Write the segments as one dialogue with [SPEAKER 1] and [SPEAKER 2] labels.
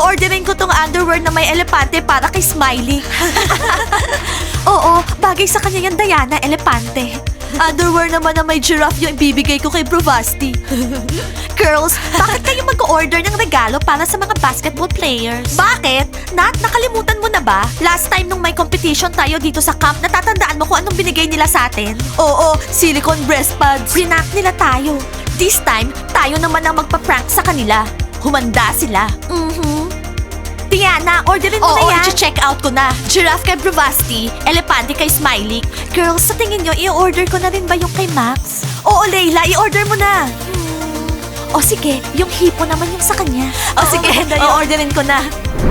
[SPEAKER 1] O-orderin ko tong underwear na may elepante para kay Smiley. Oo, bagay sa kanya yan, Diana, elepante. Underwear naman na may giraffe yung ibibigay ko kay Bravasti. Girls, bakit kayo mag-order ng regalo para sa mga basketball players? Bakit? Nat, nakalimutan mo na ba? Last time nung may competition tayo dito sa camp, natatandaan mo kung anong binigay nila sa atin? Oo, silicone breast pads. Prank nila tayo. This time, tayo naman ang magpa-prank sa kanila. Humanda sila. Diana, orderin mo na yan. Oo, check out ko na. Giraffe kay Bravasti, elepante kay Smiley. Girls, sa tingin nyo, i-order ko na rin ba yung kay Max? Oo, Layla, i-order mo na. O sige, yung hipo naman yung sa kanya. O sige, i-orderin ko na.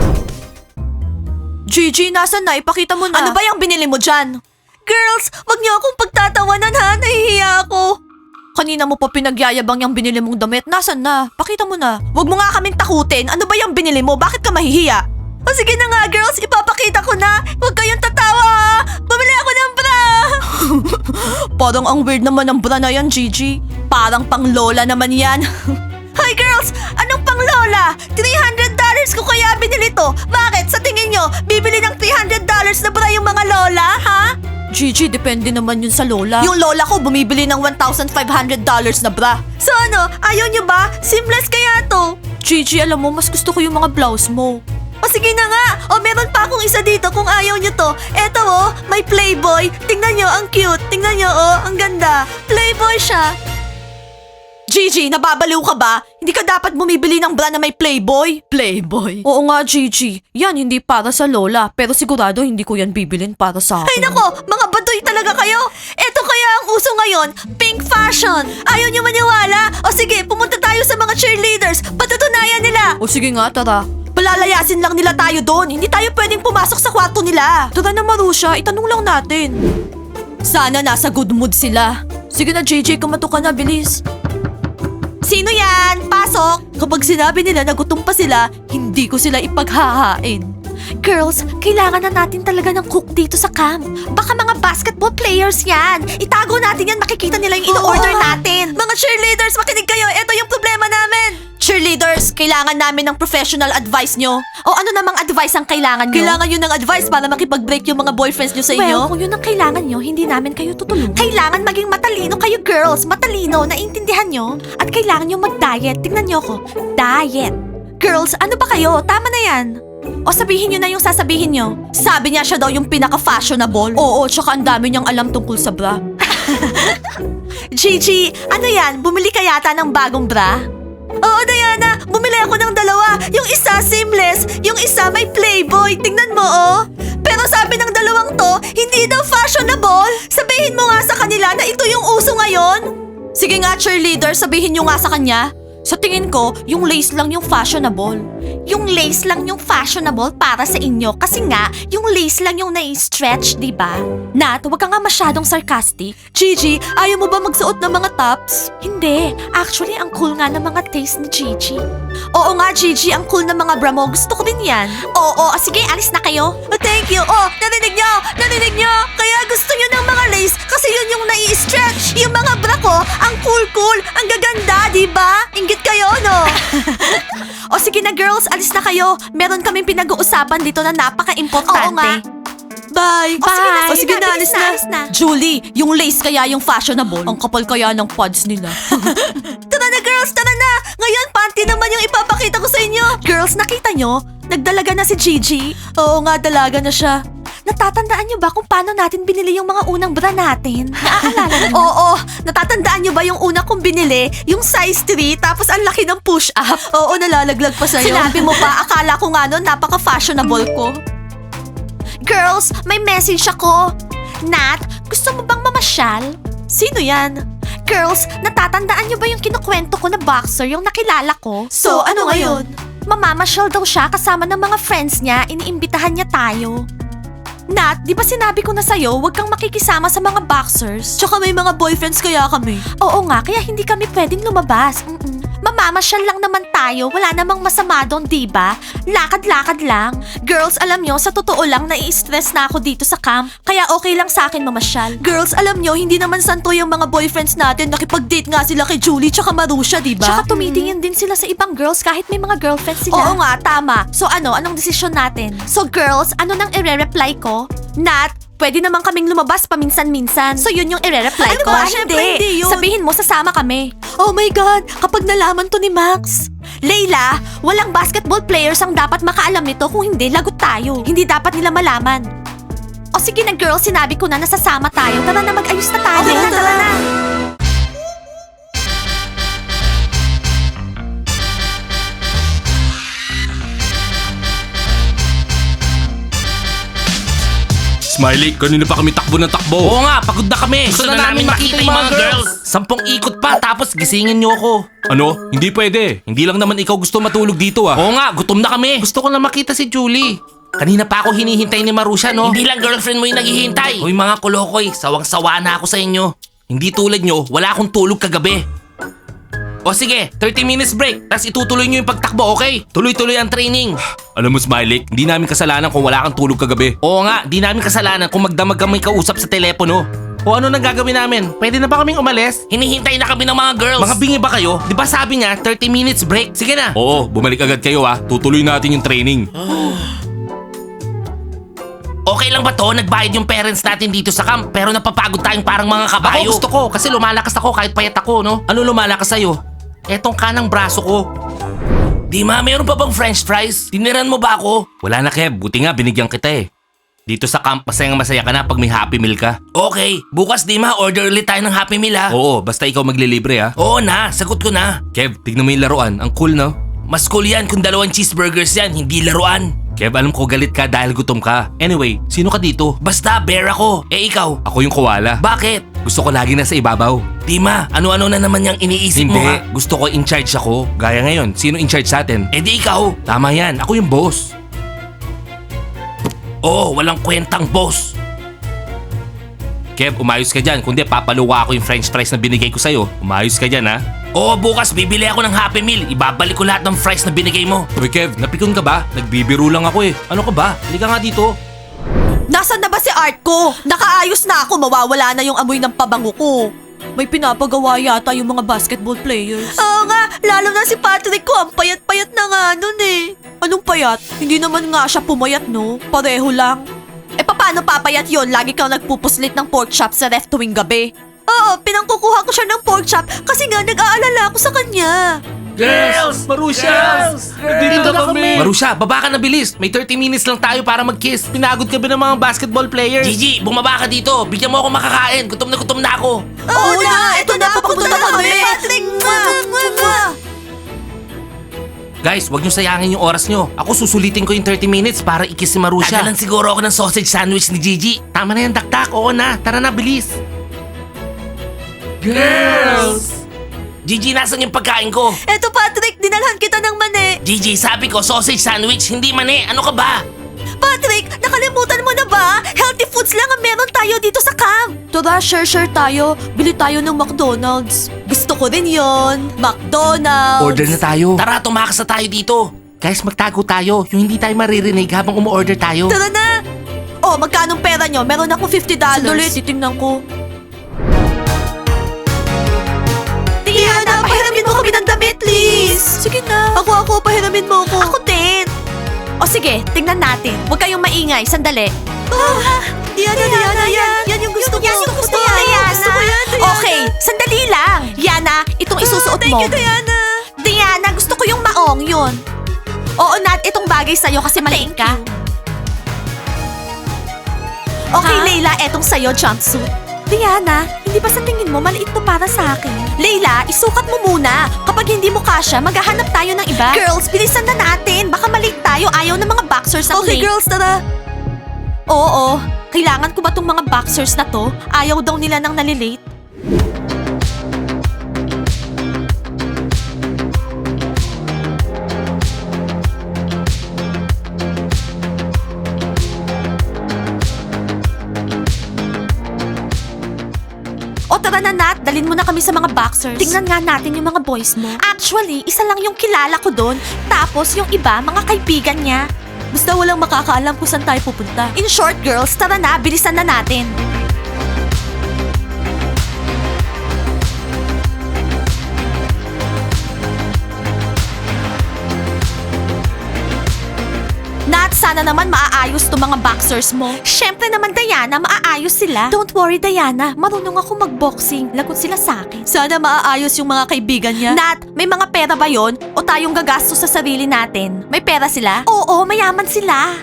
[SPEAKER 1] Gigi, nasan na? Ipakita mo na. Ano ba yung binili mo dyan? Girls, wag niyo akong pagtatawanan ha. Nahihiya ako. Kanina mo pa pinagyayabang yung binili mong damit. Nasaan na? Pakita mo na. Huwag mo nga kaming takutin. Ano ba yung binili mo? Bakit ka mahihiya? O sige na nga, girls. Ipapakita ko na. Huwag kayong tatawa. Bumili ako ng bra. Parang ang weird naman ng bra na yan, Gigi. Parang pang lola naman yan. Hi, girls! Anong pang lola? $300 ko kaya binili to. Bakit? Sa tingin nyo, bibili ng $300 na bra yung mga lola, ha? Gigi, depende naman yun sa lola. Yung lola ko bumibili ng $1,500 na bra. So ano, ayaw nyo ba? Seamless kaya to? Gigi, alam mo, mas gusto ko yung mga blouse mo. O sige na nga, o meron pa akong isa dito kung ayaw nyo to. Eto oh, may Playboy. Tingnan nyo, ang cute. Tingnan nyo oh, ang ganda. Playboy siya. Gigi, nababaliw ka ba? Hindi ka dapat bumibili ng bra na may Playboy? Playboy? Oo nga, Gigi. Yan, hindi para sa lola. Pero sigurado hindi ko yan bibilin para sa akin. Ay nako, mga baduy talaga kayo. Eto kaya ang uso ngayon, pink fashion. Ayaw niyo maniwala? O sige, pumunta tayo sa mga cheerleaders. Patutunayan nila. O sige nga, tara. Palalayasin lang nila tayo doon. Hindi tayo pwedeng pumasok sa kwarto nila. Tara na, Marusha. Itanong lang natin. Sana nasa good mood sila. Sige na, Gigi. Kumato ka na, bilis. Sino yan? Pasok! Kapag sinabi nila na gutom pa sila, hindi ko sila ipaghahain. Girls, kailangan na natin talaga ng cook dito sa camp. Baka mga basketball players yan. Itago natin yan, makikita nila yung in-order natin. Mga cheerleaders, makinig kayo. Ito yung problema namin. Cheerleaders, kailangan namin ng professional advice nyo. O ano namang advice ang kailangan nyo? Kailangan nyo ng advice para makipag-break yung mga boyfriends nyo sa inyo? Well, kung yun ang kailangan nyo, hindi namin kayo tutulungan. Kailangan maging matalino kayo, girls. Matalino, naiintindihan nyo? At kailangan nyo mag-diet. Tingnan nyo ako. Diet. Girls, ano ba kayo? Tama na yan. O sabihin nyo na yung sasabihin nyo. Sabi niya siya daw yung pinaka-fashionable. Oo, tsaka ang dami niyang alam tungkol sa bra. Gigi, ano yan? Bumili ka yata ng bagong bra? Oo, Diana, bumili ako ng dalawa. Yung isa seamless, yung isa may Playboy. Tingnan mo, oh. Pero sabi ng dalawang to, hindi daw fashionable. Sabihin mo nga sa kanila na ito yung uso ngayon. Sige nga, cheerleader, sabihin nyo nga sa kanya. Sa tingin ko, yung lace lang yung fashionable. Yung lace lang yung fashionable para sa inyo kasi nga, yung lace lang yung nai-stretch, di ba? Nat, huwag ka nga masyadong sarcastic. Gigi, ayaw mo ba magsuot ng mga tops? Hindi. Actually, ang cool nga ng mga taste ni Gigi. Oo nga, Gigi, ang cool ng mga bra mo. Gusto ko din yan. Oo, sige, alis na kayo. Thank you. Oh, narinig nyo? Narinig nyo? Kaya gusto nyo ng mga lace kasi yun yung nai-stretch. Yung mga bra ko, ang cool-cool, ang gaganda, di ba? Ingit kayo, no? O sige na, girls, alis na kayo. Meron kaming pinag-uusapan dito na napaka-importante. Oo nga. Bye! Bye! O sige na, alis na. Julie, yung lace kaya yung fashionable. Ang kapal kaya ng pads nila. Tara na, girls! Tara na! Ngayon, panty naman yung ipapakita ko sa inyo. Girls, nakita nyo? Nagdalaga na si Gigi. Oo nga, dalaga na siya. Natatandaan niyo ba kung paano natin binili yung mga unang bra natin? Naaalala niyo? Oo, natatandaan niyo ba yung una kong binili? Yung size 3, tapos ang laki ng push-up. Oo, nalalaglag pa sa'yo. Sinabi mo pa, akala ko nga nun, napaka-fashionable ko. Girls, may message ako. Nat, gusto mo bang mamasyal? Sino yan? Girls, natatandaan niyo ba yung kinukwento ko na boxer, yung nakilala ko? So, ano ngayon? Mamamasyal daw siya kasama ng mga friends niya, iniimbitahan niya tayo. Nat, di ba sinabi ko na sa'yo, huwag kang makikisama sa mga boxers? Tsaka may mga boyfriends kaya kami. Oo nga, kaya hindi kami pwedeng lumabas. Mamamasyal lang naman tayo. Wala namang masama doon, diba? Lakad-lakad lang. Girls, alam nyo, sa totoo lang, nai-stress na ako dito sa camp. Kaya okay lang sa akin mamasyal. Girls, alam nyo, hindi naman santo yung mga boyfriends natin. Nakipag-date nga sila kay Julie tsaka Marusha, diba? Tsaka tumitingin din sila sa ibang girls kahit may mga girlfriends sila. Oo nga, tama. So anong desisyon natin? So girls, ano nang ire-reply ko? Nat, pwede naman kaming lumabas paminsan-minsan. So yun yung ire-reply ko?
[SPEAKER 2] ba? Syempre, hindi yun.
[SPEAKER 1] Sabihin mo, sasama kami. Oh my God, kapag nalaman to ni Max. Layla, walang basketball players ang dapat makaalam nito. Kung hindi, lagot tayo. Hindi dapat nila malaman. O sige na girls, sinabi ko na nasasama tayo. Tara na, mag-ayos na tayo.
[SPEAKER 2] Okay na, tara na.
[SPEAKER 3] Smiley, kanina pa kami takbo ng takbo.
[SPEAKER 4] Oo nga, pagod na kami. Gusto na namin makita yung mga girls. 10 ikot pa, tapos gisingin niyo ako.
[SPEAKER 3] Ano? Hindi pwede. Hindi lang naman ikaw gusto matulog dito ah.
[SPEAKER 4] Oo nga, gutom na kami. Gusto ko na makita si Julie. Kanina pa ako hinihintay ni Marusha, no? Hindi lang girlfriend mo yung naghihintay. Uy mga kulokoy, sawang-sawa na ako sa inyo. Hindi tulad nyo, wala akong tulog kagabi. O sige, 30 minutes break, tapos itutuloy nyo yung pagtakbo, okay? Tuloy-tuloy ang training.
[SPEAKER 3] Alam mo Smiley, hindi namin kasalanan kung wala kang tulog kagabi.
[SPEAKER 4] Oo nga, di namin kasalanan kung magdamag kami kausap sa telepono. O ano nang gagawin namin? Pwede na ba kaming umalis? Hinihintay na kami ng mga girls. Mga bingi ba kayo? Di ba sabi niya 30 minutes break? Sige na.
[SPEAKER 3] Oo, bumalik agad kayo ah. Tutuloy natin yung training.
[SPEAKER 4] Okay lang ba to? Nagbayad yung parents natin dito sa camp pero napapagod tayong parang mga kabayo. Ako gusto ko kasi lumalakas ako kahit payat ako, no? Ano lumalakas sa'yo? Etong kanang braso ko. Dima, meron pa bang french fries? Tiniran mo ba ako?
[SPEAKER 3] Wala na Kev, buti nga binigyan kita eh. Dito sa camp, masaya ka na pag may Happy Meal ka.
[SPEAKER 4] Okay, bukas Dima, order ulit tayo ng Happy Meal ha?
[SPEAKER 3] Oo, basta ikaw maglilibre ah.
[SPEAKER 4] Oo na, sagot ko na.
[SPEAKER 3] Kev, tignan mo yung laruan. Ang cool no?
[SPEAKER 4] Mas cool yan kung 2 cheeseburgers yan, hindi laruan.
[SPEAKER 3] Kev, alam ko galit ka dahil gutom ka. Anyway, sino ka dito?
[SPEAKER 4] Basta, bear ako. Eh ikaw?
[SPEAKER 3] Ako yung koala.
[SPEAKER 4] Bakit?
[SPEAKER 3] Gusto ko lagi nasa ibabaw.
[SPEAKER 4] Dima, ano-ano na naman yung iniisip mo
[SPEAKER 3] Hindi,
[SPEAKER 4] ha?
[SPEAKER 3] gusto ko in charge ako. Gaya ngayon, sino in charge sa atin?
[SPEAKER 4] Eh di ikaw.
[SPEAKER 3] Tama yan, ako yung boss.
[SPEAKER 4] Oo, walang kwentang boss.
[SPEAKER 3] Kev, umayos ka dyan. Kundi papaluwa ako yung french fries na binigay ko sa'yo. Umayos ka dyan ha.
[SPEAKER 4] Oo, bukas bibili ako ng Happy Meal. Ibabalik ko lahat ng fries na binigay mo.
[SPEAKER 3] Uy Kev, napikon ka ba? Nagbibiro lang ako eh. Ano ka ba? Halika nga dito.
[SPEAKER 1] Nasaan na ba si art ko? Nakaayos na ako, mawawala na yung amoy ng pabango ko. May pinapagawa yata yung mga basketball players. Oo nga, lalo na si Patrick ko, ang payat-payat na nga nun eh. Anong payat? Hindi naman nga siya pumayat no, pareho lang. Eh paano papayat yon? Lagi kang nagpupuslit ng pork chop sa ref tuwing gabi. Oo, pinangkukuha ko siya ng pork chop kasi nga nag-aalala ako sa kanya.
[SPEAKER 4] Girls!
[SPEAKER 3] Marusha!
[SPEAKER 4] Nandito na kami!
[SPEAKER 3] Marusha, baba ka na bilis. May 30 minutes lang tayo para mag-kiss. Pinagod ka ba ng mga basketball players?
[SPEAKER 4] Gigi, bumaba ka dito. Bigyan mo ako makakain. Gutom na ako.
[SPEAKER 1] Oo na, ito na, papunta na kami. Patrick,
[SPEAKER 4] Guys, wag niyo sayangin yung oras niyo. Ako susulitin ko yung 30 minutes para i-kiss si Marusha. Tagalan siguro ako ng sausage sandwich ni Gigi. Tama na yan, dakdak. Oo na. Tara na, bilis. Girls! Gigi, nasan yung pagkain ko?
[SPEAKER 1] Eto Patrick, dinalhan kita ng mani.
[SPEAKER 4] Gigi, sabi ko sausage sandwich, hindi mani. Ano ka ba?
[SPEAKER 1] Patrick, nakalimutan mo na ba? Healthy foods lang ang meron tayo dito sa camp. Tara, share tayo. Bili tayo ng McDonald's. Gusto ko din yon. McDonald's.
[SPEAKER 3] Order na tayo.
[SPEAKER 4] Tara, tumakas na tayo dito. Guys, magtago tayo. Yung hindi tayo maririnig habang umu-order tayo.
[SPEAKER 1] Tara na. Oh, magkanong pera nyo? Meron akong $50. Sandali, titingnan ko. Diana, pahiramin mo kami ng damit, please. Sige na. Ako, pahiramin mo ako. Ako din. O sige, tingnan natin. Huwag kayong maingay, sandali. Diana, yan yung gusto ko. Yan yung gusto ko, Diana. Gusto ko yan, Diana. Okay, sandali lang. Yana, itong isusuot mo. Thank you, Diana. Diana, gusto ko yung maong yun. Oo, Nat, itong bagay sa'yo kasi maliit ka. Okay, Leila, etong sa'yo, jumpsuit. Diana, hindi ba sa tingin mo maliit to para sa akin? Leila, isukat mo muna. Kapag hindi mo kasya, maghahanap tayo ng iba. Girls, bilisan na natin. Baka maliit tayo. Ayaw ng mga boxers ang late. Okay, girls, tara. Oo, kailangan ko ba tong mga boxers na to? Ayaw daw nila nang nalilate. O tara na Nat, dalin mo na kami sa mga boxers. Tingnan nga natin yung mga boys mo. Actually, isa lang yung kilala ko doon. Tapos yung iba, mga kaibigan niya. Basta walang makakaalam kung saan tayo pupunta. In short, girls, tara na, bilisan na natin. Nat, sana naman maaayos to mga boxers mo. Syempre naman, Diana, maaayos sila. Don't worry, Diana. Marunong ako magboxing. Lagot sila sa akin. Sana maaayos yung mga kaibigan niya. Nat, may mga pera ba yon? O tayong gagastos sa sarili natin? May pera sila? Oo, mayaman sila.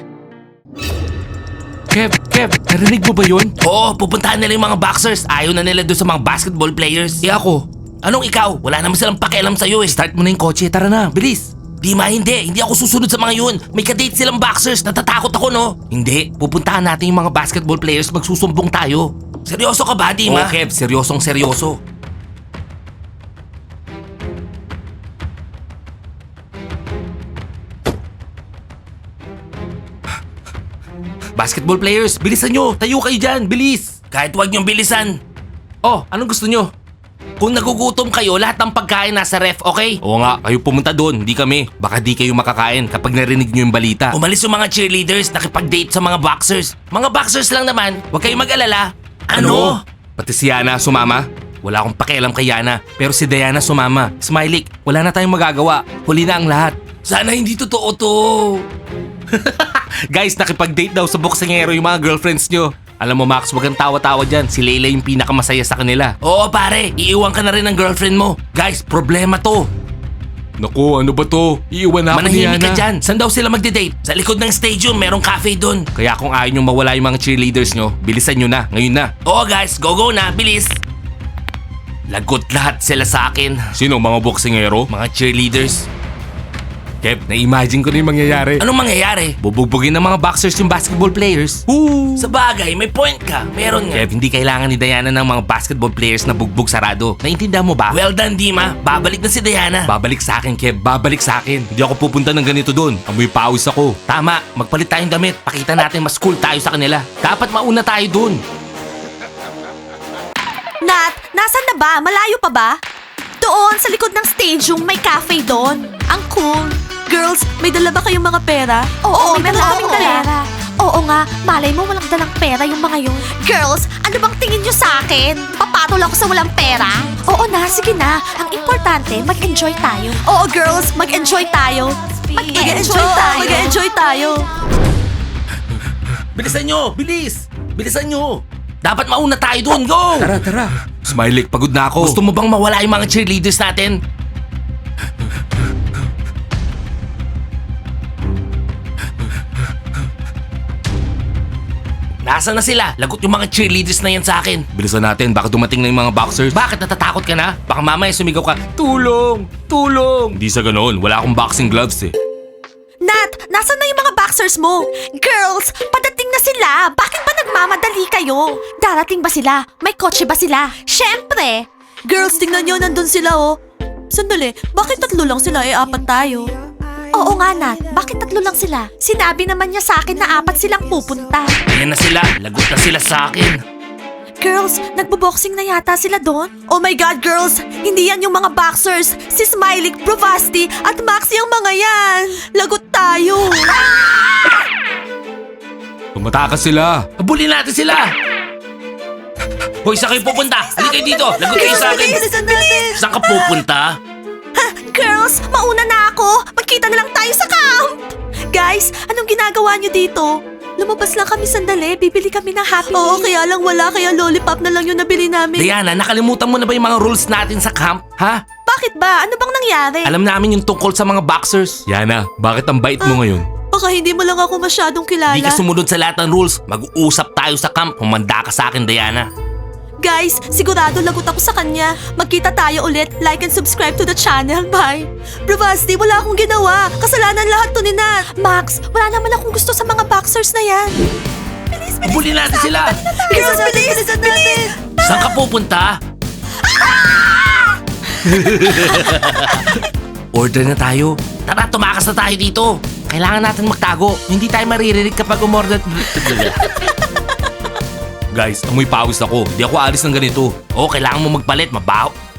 [SPEAKER 3] Kev, narinig mo ba yun?
[SPEAKER 4] Oo, pupuntahan nila yung mga boxers. Ayaw na nila doon sa mga basketball players.
[SPEAKER 3] Ako.
[SPEAKER 4] Anong ikaw? Wala naman silang pakialam sa'yo eh.
[SPEAKER 3] Start mo na yung kotse, tara na, bilis.
[SPEAKER 4] Dima, hindi. Hindi ako susunod sa mga yun. May kadate silang boxers. Natatakot ako, no? Hindi. Pupuntahan natin yung mga basketball players. Magsusumbong tayo. Seryoso ka ba, Dima?
[SPEAKER 3] Oo, Kev, seryosong seryoso. Basketball players, bilisan nyo. Tayo kayo dyan, bilis.
[SPEAKER 4] Kahit wag niyong bilisan.
[SPEAKER 3] Oh, anong gusto nyo?
[SPEAKER 4] Kung nagugutom kayo, lahat ng pagkain nasa ref, okay?
[SPEAKER 3] Oo nga, kayo pumunta doon, hindi kami. Baka di kayo makakain kapag narinig nyo yung balita.
[SPEAKER 4] Umalis yung mga cheerleaders, nakipag-date sa mga boxers. Mga boxers lang naman, huwag kayong mag-alala. Ano?
[SPEAKER 3] Pati si Yana sumama? Wala akong pakialam kay Yana, pero si Diana sumama. Smiley, wala na tayong magagawa. Huli na ang lahat.
[SPEAKER 4] Sana hindi totoo to.
[SPEAKER 3] Guys, nakipag-date daw sa boksingero yung mga girlfriends nyo. Alam mo Max, wag kang tawa-tawa dyan. Si Layla yung pinakamasaya sa kanila.
[SPEAKER 4] Oo pare, iiwan ka na rin ng girlfriend mo. Guys, problema to.
[SPEAKER 3] Naku, ano ba to? Iiwan na ako ni
[SPEAKER 4] Manahimik
[SPEAKER 3] Yana.
[SPEAKER 4] ka dyan. Saan daw sila magde-date? Sa likod ng stadium, merong cafe doon.
[SPEAKER 3] Kaya kung ayaw nyo mawala yung mga cheerleaders nyo, bilisan nyo na, ngayon na.
[SPEAKER 4] Oo guys, go na, bilis. Lagot lahat sila sa akin.
[SPEAKER 3] Sino, mga boksingero?
[SPEAKER 4] Mga cheerleaders.
[SPEAKER 3] Kev, na-imagine ko na yung mangyayari.
[SPEAKER 4] Anong mangyayari?
[SPEAKER 3] Bubugbugin ng mga boxers yung basketball players. Woo!
[SPEAKER 4] Sa bagay, may point ka. Meron nga.
[SPEAKER 3] Kev, hindi kailangan ni Diana ng mga basketball players na bugbog sarado. Naintindihan mo ba?
[SPEAKER 4] Well done, Dima. Babalik na si Diana.
[SPEAKER 3] Babalik sa akin, Kev. Babalik sa akin. Hindi ako pupunta ng ganito doon. Amoy pawis ako.
[SPEAKER 4] Tama, magpalit tayong damit. Pakita natin mas cool tayo sa kanila. Dapat mauna tayo dun.
[SPEAKER 1] Nat, nasan na ba? Malayo pa ba? Doon, sa likod ng stadium, may cafe doon. Ang cool. Girls, may dala ba kayong mga pera? Oo, meron kaming dala. Oo nga, malay mo walang dalang pera yung mga yun. Girls, ano bang tingin nyo sa akin? Papatol ako sa walang pera? Oo na, sige na. Ang importante, mag-enjoy tayo. Oo, girls, mag-enjoy tayo. Mag-enjoy tayo. Mag-enjoy tayo.
[SPEAKER 4] Bilisan nyo! Bilis! Bilisan nyo! Dapat mauna tayo dun. Go!
[SPEAKER 3] Tara. Smiley, pagod na ako.
[SPEAKER 4] Gusto mo bang mawala yung mga cheerleaders natin? Nasaan na sila? Lagot yung mga cheerleaders na yan sa akin.
[SPEAKER 3] Bilisan natin, baka dumating na yung mga boxers.
[SPEAKER 4] Bakit natatakot ka na? Baka mamaya sumigaw ka,
[SPEAKER 3] Tulong! Tulong! Hindi sa ganoon, wala akong boxing gloves eh.
[SPEAKER 1] Nat, nasan na yung mga boxers mo? Girls, padating na sila. Bakit ba nagmamadali kayo? Darating ba sila? May kotse ba sila? Syempre! Girls, tingnan nyo, nandun sila oh. Sandali, bakit tatlo lang sila apat tayo? Oo nga Nat, bakit tatlo lang sila? Sinabi naman niya sa akin na apat silang pupunta.
[SPEAKER 4] ayan na sila. Lagot na sila sa akin.
[SPEAKER 1] Girls, nagbo-boxing na yata sila doon? Oh my God, girls! Hindi yan yung mga boxers! Si Smiley, Bravasti, at Maxi ang mga yan! Lagot tayo!
[SPEAKER 3] Tumatakas sila.
[SPEAKER 4] Habulin natin sila! Hoy, saan kayo pupunta? Halika kayo dito! Lagot kayo sa akin! Saan ka pupunta?
[SPEAKER 1] Girls, mauna na ako! Magkita na lang tayo sa camp! Guys, anong ginagawa niyo dito? Lumabas lang kami sandali, bibili kami ng Happy Meal. Oo, kaya lang wala, kaya lollipop na lang yung nabili namin.
[SPEAKER 4] Diana, nakalimutan mo na ba yung mga rules natin sa camp? Ha?
[SPEAKER 1] Bakit ba? Ano bang nangyari?
[SPEAKER 4] Alam namin yung tungkol sa mga boxers.
[SPEAKER 3] Yana, bakit ang bait mo ngayon?
[SPEAKER 1] Baka hindi mo lang ako masyadong kilala.
[SPEAKER 4] Di ka sumunod sa lahat ng rules. Mag-uusap tayo sa camp. Humanda ka sa akin, Diana.
[SPEAKER 1] Guys, sigurado lagot ako sa kanya. Magkita tayo ulit. Like and subscribe to the channel. Bye. Bravasti, wala akong ginawa. Kasalanan lahat to ni Nat. Max, wala naman akong gusto sa mga boxers na yan. Bilis, bilis.
[SPEAKER 4] Habulin natin sila!
[SPEAKER 1] Girls, bilis, bilis.
[SPEAKER 4] Saan ka pupunta? Order na tayo. Tara, tumakas na tayo dito. Kailangan natin magtago. Hindi tayo maririnig kapag umorder.
[SPEAKER 3] Guys, amoy pawis ako. Di ako alis ng ganito.
[SPEAKER 4] Oo, kailangan mo magpalit, mabaho.